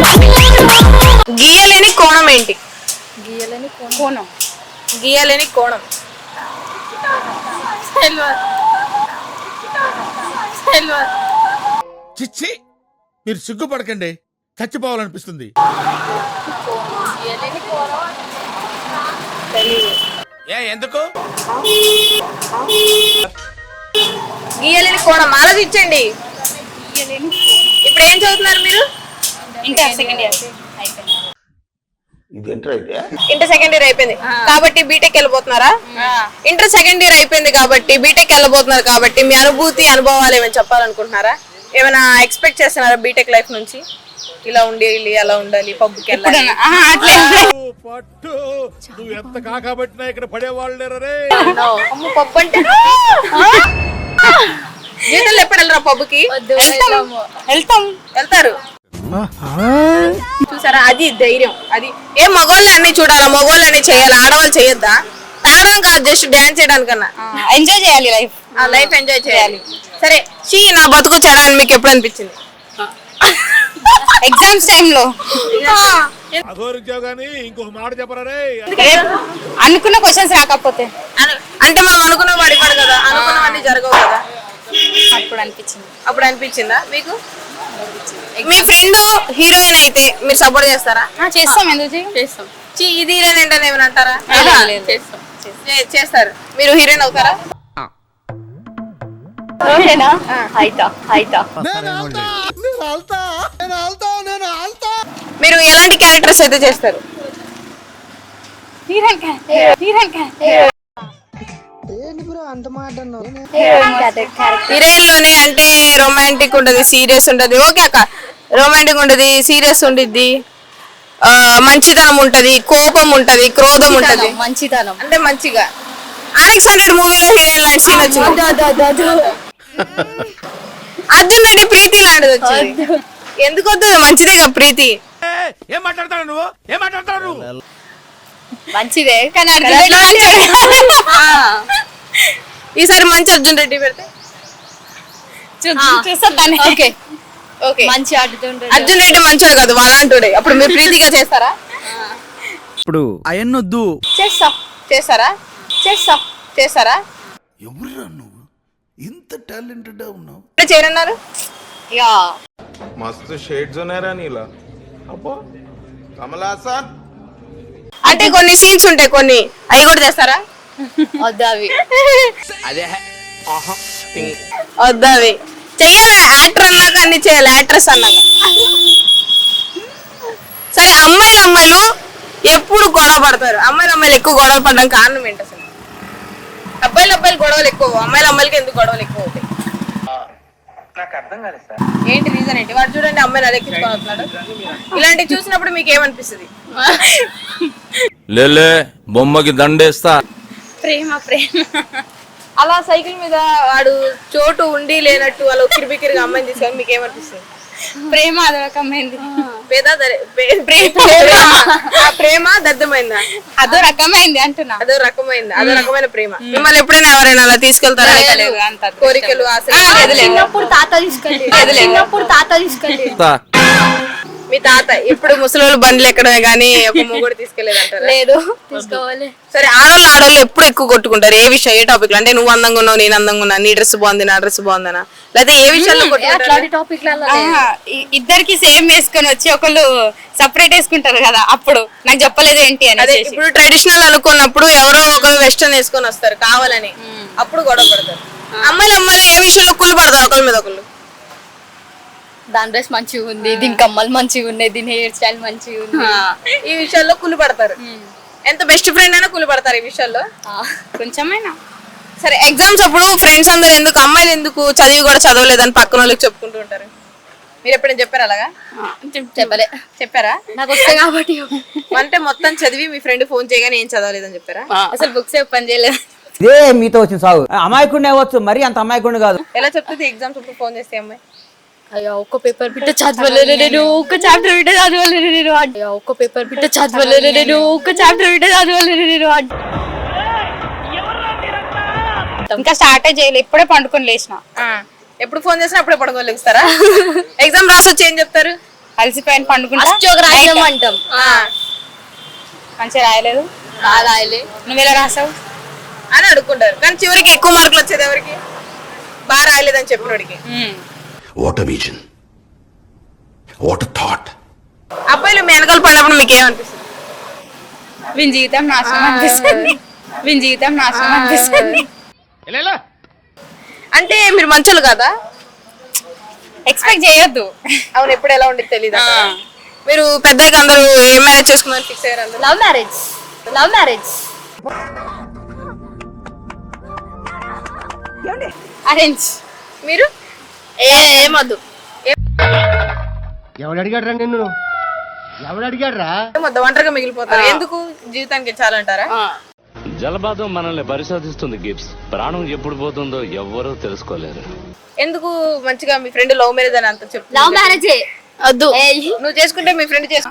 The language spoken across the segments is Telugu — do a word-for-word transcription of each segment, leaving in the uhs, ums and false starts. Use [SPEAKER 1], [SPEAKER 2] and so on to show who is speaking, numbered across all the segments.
[SPEAKER 1] గీయలేని కోణం ఏంటి?
[SPEAKER 2] గీయలేని కోణం
[SPEAKER 1] గీయలేని కోణం
[SPEAKER 3] చిచ్చి మీరు సిగ్గుపడకండి, చచ్చిపోవాలనిపిస్తుంది. ఏ ఎందుకు
[SPEAKER 1] గీయలేని కోణం ఆలోచించండి. ఇప్పుడు ఏం చదువుతున్నారు మీరు?
[SPEAKER 2] Inter second year
[SPEAKER 1] inter second year అయిపోయింది కాబట్టి బీటెక్ వెళ్ళిపోతున్నారా? ఇంటర్ సెకండ్ ఇయర్ అయిపోయింది కాబట్టి బీటెక్ వెళ్ళిపోతున్నారు కాబట్టి మీ అనుభూతి అనుభవాలు ఏమైనా చెప్పాలనుకుంటున్నారా? ఏమైనా ఎక్స్పెక్ట్ చేస్తున్నారా బీటెక్ లైఫ్ నుంచి? ఇలా ఉండాలి, అలా ఉండాలి, పబ్కి వెళ్ళాలి.
[SPEAKER 3] పట్టు నువ్వు ఎంత కాకబట్టినా ఇక్కడ పడేవాళ్ళు లేరే.
[SPEAKER 1] పబ్ అంటే జీతంలో ఎప్పుడు వెళ్ళరా పబ్కి?
[SPEAKER 2] వెళ్తాం
[SPEAKER 1] వెళ్తారు. చూసారా, అది ధైర్యం. అది ఏ మగవాళ్ళు అన్ని చూడాలా, మగవాళ్ళు అన్ని చేయాలి, ఆడవాళ్ళు చేయొద్దా? తాగడం కాదు, జస్ట్ డాన్స్ చేయడానికన్నా
[SPEAKER 2] ఎంజాయ్ చేయాలి లైఫ్.
[SPEAKER 1] ఆ లైఫ్ ఎంజాయ్ చేయాలి. సరే, షీ నా బతుకు చెడా అని మీకు ఎప్పుడు అనిపించింది?
[SPEAKER 2] ఎగ్జామ్స్ టైంలో
[SPEAKER 3] ఇంకొక మాట చెప్పరే.
[SPEAKER 2] అనుకున్న క్వశ్చన్స్ రాకపోతే
[SPEAKER 1] అంటే మనం అనుకున్న వాడి పడు కదా, అనుకున్నవన్నీ జరగవు కదా,
[SPEAKER 2] అప్పుడు అనిపించింది.
[SPEAKER 1] అప్పుడు అనిపించిందా మీకు? మీ ఫ్రెండ్ హీరోయిన్ అయితే మీరు సపోర్ట్ చేస్తారా?
[SPEAKER 2] చేస్తాం, ఎందుకు చేస్తాం.
[SPEAKER 1] చీ ఇది హీరోయిన్ ఏంటని ఏమైనా అంటారా?
[SPEAKER 2] చేస్తాం,
[SPEAKER 1] చేస్తారు. మీరు హీరోయిన్ అవుతారా? మీరు ఎలాంటి క్యారెక్టర్స్ అయితే చేస్తారు? హీరోయిన్ లోనే అంటే రొమాంటిక్ ఉంటది, సీరియస్ ఉంటది. ఓకే అక్క, రొమాంటిక్ ఉంటది, సీరియస్ ఉండిద్ది, మంచితనం ఉంటది, కోపం ఉంటది, క్రోధం ఉంటది.
[SPEAKER 2] మంచితనం
[SPEAKER 1] అంటే మంచిగా ఆర్ఎక్స్ హండ్రెడ్ మూవీలో హీరోయిన్ లాంటి సీన్ వచ్చింది. అర్జున్ రెడ్డి ప్రీతి లాంటిది వచ్చింది. ఎందుకు వద్దు? మంచిదే కదా ప్రీతి.
[SPEAKER 3] ఏం మాట్లాడతాడు నువ్వు? ఏం మాట్లాడతాడు నువ్వు?
[SPEAKER 2] మంచిదే కానీ
[SPEAKER 1] ఈసారి మంచి అర్జున్ రెడ్డి పెడితే
[SPEAKER 2] చూస్తాను. ఓకే
[SPEAKER 1] ఓకే,
[SPEAKER 2] మంచి ఆడుతుంటాడు
[SPEAKER 1] అర్జున్ రెడ్డి మంచోడు కాదు, వాళ్ళంటుడే. అప్పుడు మీరు ప్రీతిగా చేస్తారా?
[SPEAKER 4] ఇప్పుడు అయన్నొద్దు.
[SPEAKER 2] చేస్తాం
[SPEAKER 1] చేస్తారా?
[SPEAKER 2] చేస్తాం
[SPEAKER 1] చేస్తారా?
[SPEAKER 4] ఎవరురా నువ్వు ఇంత టాలెంటెడ్ ఉన్నావు?
[SPEAKER 1] చేయరన్నారు.
[SPEAKER 2] ఇక
[SPEAKER 5] मस्त शेड्स ఉన్నాయరా నీలా. అబ్బో కమలాసన్.
[SPEAKER 1] అంటే కొన్ని సీన్స్ ఉంటాయి, కొన్ని అవి కూడా చేస్తారా?
[SPEAKER 2] వద్దు అవి.
[SPEAKER 5] అదే ఆహా
[SPEAKER 1] వద్దు అవి చెయ్యాలి. యాక్టర్ అన్నాక అన్ని చేయాలి, యాక్ట్రెస్ అన్నాక. సరే, అమ్మాయిలు అమ్మాయిలు ఎప్పుడు గొడవ పడతారు? అమ్మాయిలు అమ్మాయిలు ఎక్కువ గొడవ పడడం కారణం ఏంటి అసలు? అబ్బాయిలు అబ్బాయిలు గొడవలు ఎక్కువ, అమ్మాయిలు అమ్మాయిలకి ఎందుకు గొడవలు ఎక్కువ అవుతాయి? ఏంటి రీజన్ ఏంటి? వాడు చూడండి, అమ్మాయిని అడెక్కించుకొని వస్తున్నాడు. ఇలాంటివి చూసినప్పుడు మీకు ఏమనిపిస్తుంది?
[SPEAKER 6] లేలే బొమ్మకి దండేస్తా.
[SPEAKER 2] ప్రేమ ప్రేమ
[SPEAKER 1] అలా సైకిల్ మీద వాడు చోటు ఉండి లేనట్టు అలా కిరిబికిరిగా అమ్మాయిని తీసుకొని మీకు ఏమనిపిస్తుంది?
[SPEAKER 2] ప్రేమ అదో రకమైంది.
[SPEAKER 1] పేద ప్రేమ దద్దమైందా?
[SPEAKER 2] అదో రకమైంది అంటున్నా.
[SPEAKER 1] అదో రకమైంది, అదో రకమైన ప్రేమ. మిమ్మల్ని ఎప్పుడైనా ఎవరైనా అలా తీసుకెళ్తారా? కోరికలు, ఆశలు?
[SPEAKER 2] చిన్నప్పుడు తాత తీసుకెళ్ళి చిన్నప్పుడు తాత తీసుకెళ్ళి
[SPEAKER 1] మీ తాత ఇప్పుడు ముసలి బండ్లు ఎక్కడమే గానీ ఒక మొగుడు తీసుకెళ్లేదంటారా?
[SPEAKER 2] లేదు, తీసుకోవాలి.
[SPEAKER 1] సరే, ఆడోళ్ళు ఆడోళ్ళు ఎప్పుడు ఎక్కువ కొట్టుకుంటారు? ఏ విషయం, ఏ టాపిక్? అంటే నువ్వు అందంగా ఉన్నావు, నేను అందంగా ఉన్నా, నీ డ్రెస్ బాగుంది, నా డ్రెస్ బాగుందనా, లేదా ఏ విషయాల్లో
[SPEAKER 2] ఇద్దరికి సేమ్ వేసుకొని వచ్చి ఒకళ్ళు సపరేట్ వేసుకుంటారు కదా, అప్పుడు నాకు చెప్పలేదు ఏంటి అని.
[SPEAKER 1] ఇప్పుడు ట్రెడిషనల్ అనుకున్నప్పుడు ఎవరో ఒకరు వెస్టర్న్ వేసుకొని వస్తారు కావాలని, అప్పుడు గొడవ పడతారు. అమ్మాయిలు అమ్మాయిలు ఏ విషయంలో కుళ్ళు పడతారు ఒకరి మీద ఒకళ్ళు?
[SPEAKER 2] దాని డ్రెస్ మంచిగా ఉంది, దీని కమ్మలు మంచిగా ఉన్నాయి, దీని హెయిర్ స్టైల్ మంచిగా ఉంది,
[SPEAKER 1] ఈ విషయాల్లో కుళ్ళు పడతారు. ఎంత బెస్ట్ ఫ్రెండ్ అయినా కుళ్ళు పడతారు ఈ విషయాల్లో
[SPEAKER 2] కొంచెమైనా.
[SPEAKER 1] సరే, ఎగ్జామ్స్ అప్పుడు ఫ్రెండ్స్ అందరు ఎందుకు, అమ్మాయిలు ఎందుకు చదివి కూడా చదవలేదని పక్కన వాళ్ళకి చెప్పుకుంటూ ఉంటారు? మీరు ఎప్పుడైనా చెప్పారు అలాగా?
[SPEAKER 2] చెప్పలే.
[SPEAKER 1] చెప్పారా?
[SPEAKER 2] నాకు వస్తే కాబట్టి.
[SPEAKER 1] అంటే మొత్తం చదివి మీ ఫ్రెండ్ ఫోన్ చేయగానే ఏం చదవలేదని చెప్పారా?
[SPEAKER 2] అసలు బుక్స్ పని చేయలేదు.
[SPEAKER 7] ఇదే మీతో వచ్చిన సాగు. అమాయకుడిని అవ్వచ్చు, మరి అంత అమాయకుడిని కాదు.
[SPEAKER 1] ఎలా చెప్తుంది ఎగ్జామ్స్ అప్పుడు ఫోన్ చేస్తే అమ్మాయి?
[SPEAKER 2] అయ్యా ఒక్క పేపర్ బిట్ట చదవలేదు నేను, ఒక్క చాప్టర్ బిట్ట చదవలేదు నేను, అయ్యా ఒక్క పేపర్ బిట్ట చదవలేదు నేను, ఒక్క చాప్టర్ బిట్ట చదవలేదు నేను. ఇంకా స్టార్ట్ చేయలేదు, ఇప్పుడే పండుకొని లేచిన.
[SPEAKER 1] ఎప్పుడు ఫోన్ చేసినా అప్పుడే పడుకోలేస్తారా? ఎగ్జామ్ రాసి వచ్చి ఏం చెప్తారు? అలసిపోయిన పండుకుంటా
[SPEAKER 2] అష్టోక రాజ్యం అంటాం.
[SPEAKER 1] మంచిగా రాయలేదు
[SPEAKER 2] బాగా రాయలే.
[SPEAKER 1] నువ్వెలా రాసావు అని అడుక్కుంటారు. కానీ చివరికి ఎక్కువ మార్కులు వచ్చేది ఎవరికి? బాగా రాయలేదని చెప్పినోడికి.
[SPEAKER 4] What vision, what thought.
[SPEAKER 1] అబ్బాయిలు మీ వెనకాల పడినప్పుడు మీకు ఏమనిపిస్తుంది?
[SPEAKER 8] వీని జీవితం నాశనం అనిపిస్తుంది. వీని జీవితం నాశనం అనిపిస్తుంది.
[SPEAKER 1] అంటే మీరు మంచోళ్ళు కదా,
[SPEAKER 8] ఎక్స్పెక్ట్ చేయొద్దు.
[SPEAKER 1] అవును, ఎప్పుడు ఎలా ఉండేది తెలియదు. మీరు పెద్దగా అందరూ ఏం మ్యారేజ్ చేసుకున్నారు ఫిక్స్ అయ్యారు అందరూ?
[SPEAKER 2] Love marriage love marriage
[SPEAKER 8] arrange.
[SPEAKER 1] మీరు
[SPEAKER 2] ఏమొద్దు.
[SPEAKER 9] ఎవడు అడిగాడు నిన్ను ఎవడు అడిగాడ్రా
[SPEAKER 1] మొత్తం ఒంటరిగా మిగిలిపోతారు. ఎందుకు జీవితానికి చాలంటారా?
[SPEAKER 10] జలపాతం మనల్ని పరిశోధిస్తుంది గిప్స్. ప్రాణం ఎప్పుడు పోతుందో ఎవ్వరూ తెలుసుకోలేరు.
[SPEAKER 1] ఎందుకు మంచిగా మీ ఫ్రెండ్ లవ్ మ్యారేజ్ అని అంత చెప్పు.
[SPEAKER 2] లవ్ మ్యారేజే వద్దు.
[SPEAKER 1] నువ్వు చేసుకుంటే మీ ఫ్రెండ్ చేసుకోవాలా?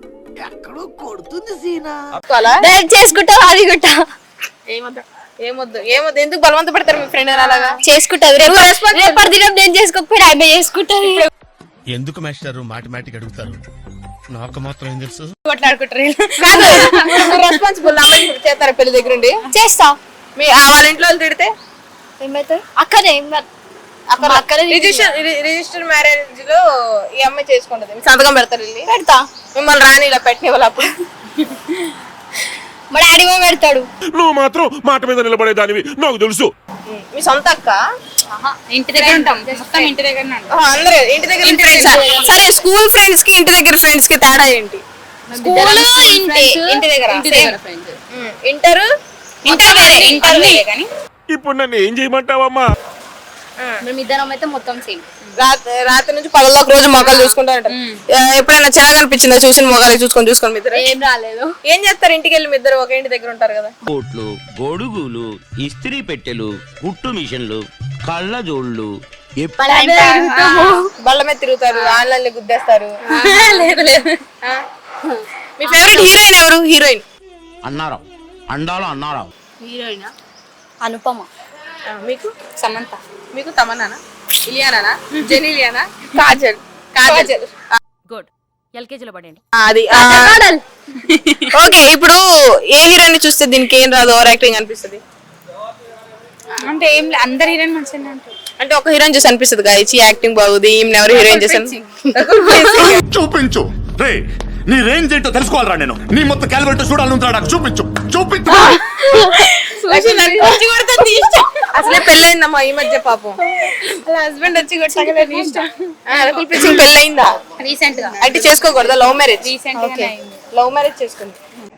[SPEAKER 2] చేసుకుంటా అది గుట్ట
[SPEAKER 1] ఏమొద్దు ఏమొద్దు ఏమొద్దు ఎందుకు బలవంత పెడతారు మీ ఫ్రెండ్ అలాగా?
[SPEAKER 2] చేసుకుంటది. రేపటి దినం నేను చేసుకోకపోయినా ఆమె చేసుకుంటది.
[SPEAKER 3] ఎందుకు మాస్టర్ మాటిమాటికి అడుగుతారు? నాకు మాత్రం ఏం తెలుసు.
[SPEAKER 8] కొట్లాడుకుంటారు.
[SPEAKER 1] రెస్పాన్సిబుల్ అమ్మాయి చేస్తారా పెళ్లి దగ్గర ఉండి?
[SPEAKER 2] చేస్తా.
[SPEAKER 1] మీ ఆ వాళ్ళ ఇంట్లో వాళ్ళు తిడితే
[SPEAKER 2] ఏమైతుంది? అక్కనే అక్కడ అక్కడే
[SPEAKER 1] రిజిస్టర్ రిజిస్టర్ మ్యారేజ్ లో ఈ అమ్మాయి చేసుకుంటది, మీ సంతకం పెడతారు వెళ్ళి?
[SPEAKER 2] పెడతా.
[SPEAKER 1] మిమ్మల్ని రాని ఇలా పెట్టిన వాళ్ళు అప్పుడు
[SPEAKER 2] మా డాడీ ఏమో పెడతాడు.
[SPEAKER 3] నువ్వు మాత్రం మాట మీద నిలబడేదానివి నాకు తెలుసు.
[SPEAKER 1] మీ సొంత అక్క?
[SPEAKER 8] ఇంటి దగ్గర ఉంటాం, మొత్తం ఇంటి దగ్గర ఉంటాం.
[SPEAKER 1] ఆహా, అందరూ ఇంటి దగ్గర ఫ్రెండ్స్. సరే, స్కూల్ ఫ్రెండ్స్ కి ఇంటి దగ్గర ఫ్రెండ్స్ కి తేడా ఏంటి?
[SPEAKER 2] స్కూల్ ఇంటి
[SPEAKER 1] ఇంటి దగ్గర
[SPEAKER 8] ఇంటి దగ్గర ఫ్రెండ్స్.
[SPEAKER 1] ఇంటర్
[SPEAKER 8] ఇంటర్ వేరే, ఇంటర్ వేరే. కానీ
[SPEAKER 3] ఇప్పుడు నన్ను ఏం చేయమంటావమ్మా?
[SPEAKER 2] మేము ఇద్దరం అయితే మొత్తం సేమ్.
[SPEAKER 1] రాత్రి రాత్రి నుంచి పగల్లో ఒక రోజు మొక్కలు చూసుకుంటా ఉంటారు. ఎప్పుడైనా చిన్నగా అనిపించిందా చూసిన మొక్కలు చూసుకొని చూసుకొని మీ ఇద్దరు?
[SPEAKER 2] ఏం రాలేదు.
[SPEAKER 1] ఏం చేస్తారు ఇంటికి వెళ్ళి మీ ఇద్దరు ఒక ఇంటి దగ్గర ఉంటారు కదా?
[SPEAKER 11] కోట్లు, గొడుగులు, ఇస్త్రీ పెట్టెలు, కుట్టు మిషన్లు, కళ్ళజోళ్ళు,
[SPEAKER 1] బళ్ళ మీద తిరుగుతారు, ఆన్లైన్ లో గుద్దేస్తారు.
[SPEAKER 8] లేదు లేదు.
[SPEAKER 1] మీ ఫేవరెట్ హీరోయిన్ ఎవరు? హీరోయిన్
[SPEAKER 11] అన్నారావు, అండాలో అన్నారావు.
[SPEAKER 2] హీరోయిన్ అనుపమ.
[SPEAKER 1] మీకు?
[SPEAKER 8] సమంత.
[SPEAKER 1] మీకు తమన్నానా, ఇలియానా, జెనిలియానా, కాజల్? కాజల్
[SPEAKER 8] గుడ్. ఎల్కేజీలో పడండి.
[SPEAKER 1] అది ఓకే. ఇప్పుడు ఏ హీరోయిన్ చూస్తే దీనికి ఏం రాదు, ఓవర్ యాక్టింగ్ అనిపిస్తుంది?
[SPEAKER 8] అంటే ఏం లేదు, అందరు హీరోయిన్ మంచిగా అంటారు.
[SPEAKER 1] అంటే ఒక హీరోయిన్ చూసి అనిపిస్తుంది కదా ఇచ్చి యాక్టింగ్ బాగుంది, ఈమె ఎవరు హీరోయిన్ చేశాను?
[SPEAKER 3] చూపించు రే, నీ రేంజ్ ఏంటో తెలుసుకోవాలరా నేను. నీ మొత్తం క్యాలిబరేటర్ చూడాలంటారా? నాకు చూపించు చూపించు. అసలే పెళ్ళయిందమ్మా ఈ మధ్య పాపం.
[SPEAKER 8] అలా హస్బెండ్ వచ్చి కొట్టాలి ఇష్టం.
[SPEAKER 1] రకుల్ ప్రీత్ సింగ్ పెళ్ళయిందా?
[SPEAKER 8] రీసెంట్ గా.
[SPEAKER 1] అంటే చేసుకోకూడదా? Love marriage?
[SPEAKER 8] రీసెంట్ గా అయింది.
[SPEAKER 1] లవ్ మ్యారేజ్ చేసుకుంది.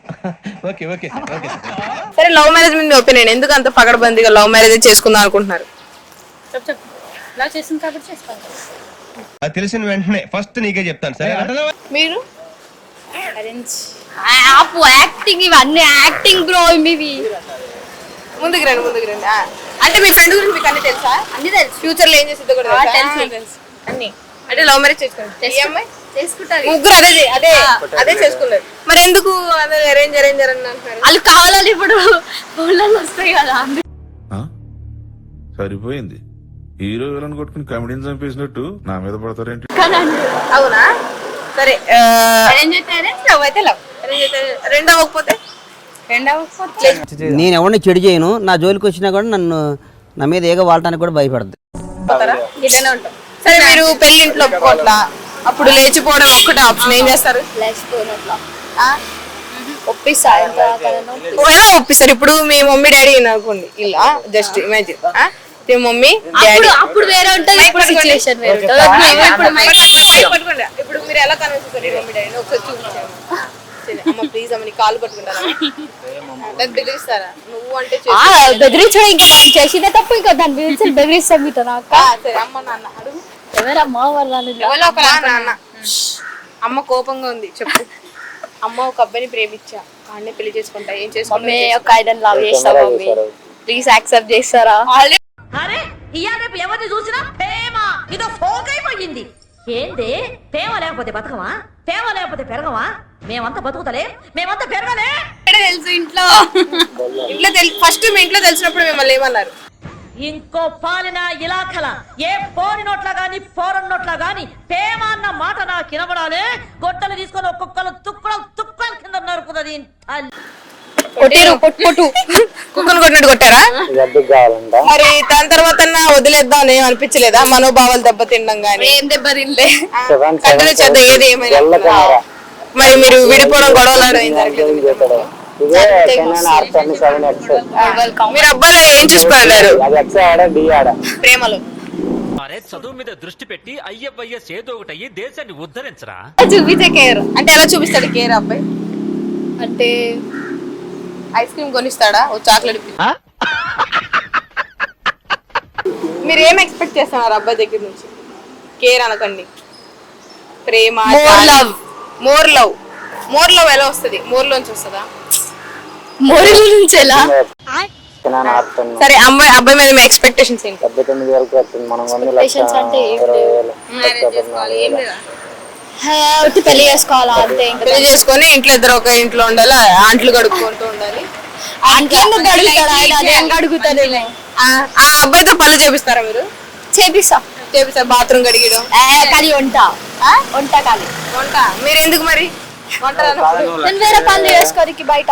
[SPEAKER 1] సరే, లవ్ మ్యారేజ్ మీద ఒపీనియన్ ఎందుకు అంత పగడబందిగా లవ్ మ్యారేజ్ చేసుకుందాం అనుకుంటున్నారు?
[SPEAKER 8] చెప్పు చెప్పు. లవ్ చేసింది కాబట్టి చేసుకోవాలి.
[SPEAKER 9] అది తెలిసిన వెంటనే ఫస్ట్ నీకే చెప్తాను సరే.
[SPEAKER 1] మీరు?
[SPEAKER 8] అరేంజ్.
[SPEAKER 2] ఆపు యాక్టింగ్, ఇవన్నీ యాక్టింగ్ బ్రో ఇవి.
[SPEAKER 1] ముందుకు రండి ముందుకు రండి. ఆ, అంటే మీ ఫ్రెండ్ గురించి మీకు అన్ని తెలుసా?
[SPEAKER 2] అన్ని తెలుసు.
[SPEAKER 1] ఫ్యూచర్ లో ఏం చేస్తుందో కూడా తెలుసా?
[SPEAKER 2] తెలుసు
[SPEAKER 1] తెలుసు అన్ని. అంటే లవ్ మ్యారేజ్ చేసుకుంటారు ఈ అమ్మాయి?
[SPEAKER 2] చేసుకుంటారు.
[SPEAKER 1] ముగ్గురు అదే అదే అదే చేసుకున్నారు. మరి ఎందుకు అదే అరేంజ్ అరేంజ్ అని అంటున్నారు?
[SPEAKER 2] వాళ్ళు కావాలని ఇప్పుడు ఊళ్ళలో వస్తాయి కదా.
[SPEAKER 5] సరిపోయింది. హీరో విలన్ కొట్టుకుని కమెడీని చంపేసినట్టు నా మీద పడతారేంటి?
[SPEAKER 1] అవునా? సరే,
[SPEAKER 8] అరేంజ్ అయితే అరేంజ్, లవ్ అయితే లవ్.
[SPEAKER 1] రెండో అవ్వకపోతే
[SPEAKER 8] రెండవ
[SPEAKER 7] నేను ఎవరిని చెడు చేయను, నా జోలికి వచ్చినా కూడా నన్ను నా మీద ఏగ వాడటానికి కూడా భయపడదు.
[SPEAKER 1] ఇలానే ఉంటాం. సరే, మీరు పెళ్లి ఇంట్లో ఒప్పుకోట్లా, అప్పుడు లేచిపోవడం ఒక్కటే ఆప్షన్, ఏం చేస్తారు?
[SPEAKER 2] లేచిపోయినట్లా ఒప్పిస్తా.
[SPEAKER 1] ఓ, ఎలా ఒప్పిస్తారు? ఇప్పుడు మీ మమ్మీ డాడీ అనుకోండి, ఇలా జస్ట్ ఇమాజిన్. మీ మమ్మీ డాడీ
[SPEAKER 2] అప్పుడు వేరే ఉంటుంది, ఇప్పుడు సిచువేషన్ వేరే ఉంటుంది.
[SPEAKER 1] పట్టుకోండి. ఇప్పుడు మీరు ఎలా కన్విన్స్ చేస్తారు మమ్మీ డాడీని? ఒకసారి చూపించాము. అమ్మ ప్లీజ్ అమ్మ నీ కాలు పట్టుకుంటారా? బెదిరిస్తారా? నువ్వు అంటే
[SPEAKER 2] బెదిరించడం ఇంకా మనం చేసిందే తప్పు, ఇంకా దాన్ని బెదిరించి బెదిరిస్తాం మీతో. నాకు
[SPEAKER 1] సరే, అమ్మ నాన్న అడుగు.
[SPEAKER 2] ఎవరమ్మా వాళ్ళ
[SPEAKER 1] నాన్న. అమ్మ కోపంగా ఉంది, చెప్పు. అమ్మ ఒక అబ్బాయిని ప్రేమించా, వాడిని పెళ్లి చేసుకుంటా, ఏం చేసుకుంటా?
[SPEAKER 2] మమ్మీ ఒక ఐడన్ లవ్ చేస్తా మమ్మీ, ప్లీజ్ యాక్సెప్ట్ చేస్తారా?
[SPEAKER 12] అరే ఇయాల రేపు ఎవరిని చూసినా ప్రేమ ఇదో ఫోక్ అయిపోయింది. ఏంది ప్రేమ లేకపోతే బతకమా? ప్రేమ లేకపోతే పెరగమా? మేమంతా బతుకుతలే, మేమంతా పెరగలే.
[SPEAKER 8] తెలుసు ఇంట్లో.
[SPEAKER 1] ఇంట్లో ఫస్ట్ మీ ఇంట్లో తెలిసినప్పుడు మిమ్మల్ని ఏమన్నారు?
[SPEAKER 12] ఇంకో పాలిన ఇలాఖల ఏ పోరి నోట్ల గాని పోరన్ నోట్ల గాని పేమ అన్న మాట నాకు వినబడాలే. గొడ్డలు తీసుకొని ఒక్కొక్కరు తుక్కలు తుక్కలు కింద నరుకుతుంది.
[SPEAKER 2] కొట్టారు పొట్టు పొట్టు
[SPEAKER 1] కుక్కను కొట్టినట్టు కొట్టారా? మరి దాని తర్వాత వదిలేద్దాం అని ఏం అనిపించలేదా? మనోభావాలు దెబ్బతిండం గానీ
[SPEAKER 2] ఏం దెబ్బ తినలే.
[SPEAKER 1] కంటిన్యూ చేద్దాం ఏది ఏమైనా. మరి మీరు విడిపోవడం గొడవలు ఏం జరగలేదు? మీరు అబ్బాయిలు ఏం చూసుకోలేరు ప్రేమలో?
[SPEAKER 10] చదువు మీద దృష్టి పెట్టి అయ్యవయ్య సేదో ఒకటయ్యి దేశాన్ని ఉద్ధరించరా.
[SPEAKER 2] చూపించే కేర్
[SPEAKER 1] అంటే ఎలా చూపిస్తాడు కేర్ అబ్బాయి?
[SPEAKER 2] అంటే
[SPEAKER 1] ఐస్ క్రీమ్ కొనిస్తాడా? ఓ చాక్లెట్ మీరు ఏం ఎక్స్పెక్ట్ చేస్తున్నారు అబ్బాయి దగ్గర నుంచి? కేర్ అనకండి, ప్రేమ,
[SPEAKER 2] more love.
[SPEAKER 1] More love more love ఎలా వస్తుంది? మోర్ లోంచి వస్తుందా?
[SPEAKER 2] మోరల్ నుంచి ఎలా?
[SPEAKER 1] సరే అమ్మాయి అబ్బాయి మీద మీ ఎక్స్పెక్టేషన్స్ ఏంటి?
[SPEAKER 2] పేషెన్స్ అంటే ఒకటి పెళ్లి చేసుకోవాలా అంతే. ఇంకా
[SPEAKER 1] పెళ్లి చేసుకొని ఇంట్లో ఇద్దరు ఒక ఇంట్లో ఉండాలి, ఆంట్లు కడుక్కుంటూ ఉండాలి.
[SPEAKER 2] అంట్లో గడుగుతాడు ఆయన, అదేం గడుగుతాడు.
[SPEAKER 1] ఆ ఆ అబ్బాయితో పనులు చేపిస్తారా మీరు?
[SPEAKER 2] చేపిస్తా
[SPEAKER 1] చేపిస్తారు. బాత్రూమ్ కడిగడం
[SPEAKER 2] కానీ వంట వంట కానీ
[SPEAKER 1] వంట మీరు ఎందుకు మరి వంట రానప్పుడు?
[SPEAKER 2] నేను వేరే పనులు చేసుకోనికి బయట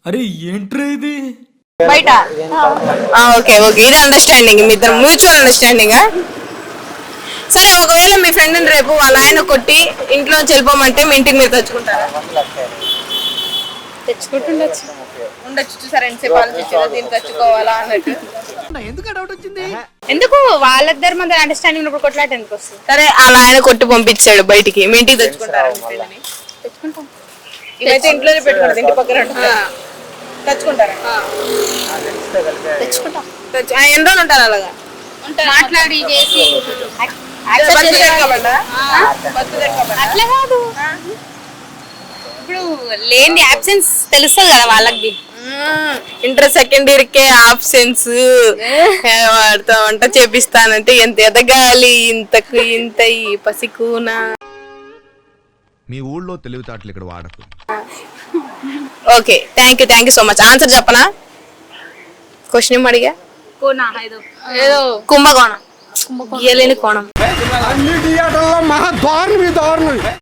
[SPEAKER 1] బయట ఓకే ఓకే ఇది అండర్స్టాండింగ్, మీ ఇద్దరు మ్యూచువల్ అండర్స్టాండింగ్. సరే ఒకవేళ మీ ఫ్రెండ్ రేపు వాళ్ళ ఆయన కొట్టి ఇంట్లో వెళ్ళిపోమంటే మీ ఇంటికి మీరు తెచ్చుకుంటారా?
[SPEAKER 2] తెచ్చుకుంటుండొచ్చు.
[SPEAKER 1] ఉండొచ్చు. సరే ఎంతసేపు ఆలోచించారా దీన్ని తెచ్చుకోవాలా అన్నట్టు?
[SPEAKER 2] ఎందుకు వాళ్ళిద్దరి మధ్య అండర్స్టాండింగ్ ఉన్నప్పుడు కొట్లాట ఎందుకు వస్తుంది?
[SPEAKER 1] సరే అలా ఆయన కొట్టి పంపించాడు బయటికి, మీ ఇంటికి తెచ్చుకుంటారా?
[SPEAKER 2] తెచ్చుకుంటాం.
[SPEAKER 1] ఇవైతే ఇంట్లోనే పెట్టుకుంటారు, ఇంటి పక్కన ఉంటుంది. తెచ్చుకుంటారా?
[SPEAKER 2] తెచ్చుకుంటాం.
[SPEAKER 1] తెచ్చు- ఆ, ఎన్ని రోజులు ఉంటారు అలాగా?
[SPEAKER 2] మాట్లాడి చేసి
[SPEAKER 1] బస్సు తెచ్చుకోమంటా? బస్సు తెచ్చుకోమంటా?
[SPEAKER 2] అట్లా కాదు, ఇప్పుడు లేని అబ్సెన్స్ తెలుస్తుంది కదా వాళ్ళకి.
[SPEAKER 1] ఇంటర్ సెకండ్ ఇయర్ కే ఆబ్సెన్స్ వాడితో వంట చేపిస్తానంటే ఎంత ఎదగాలి ఇంతకు ఇంత ఈ పసికూనా.
[SPEAKER 9] మీ ఊళ్ళో తెలివితేటలు ఇక్కడ వాడకు.
[SPEAKER 1] Okay thank you thank you so much. Answer చెప్పనా? క్వశ్చన్ ఏం అడిగా?
[SPEAKER 2] ఏదో
[SPEAKER 1] కుంభకోణం, గీయలేని కోణం.
[SPEAKER 9] మహా దారుణం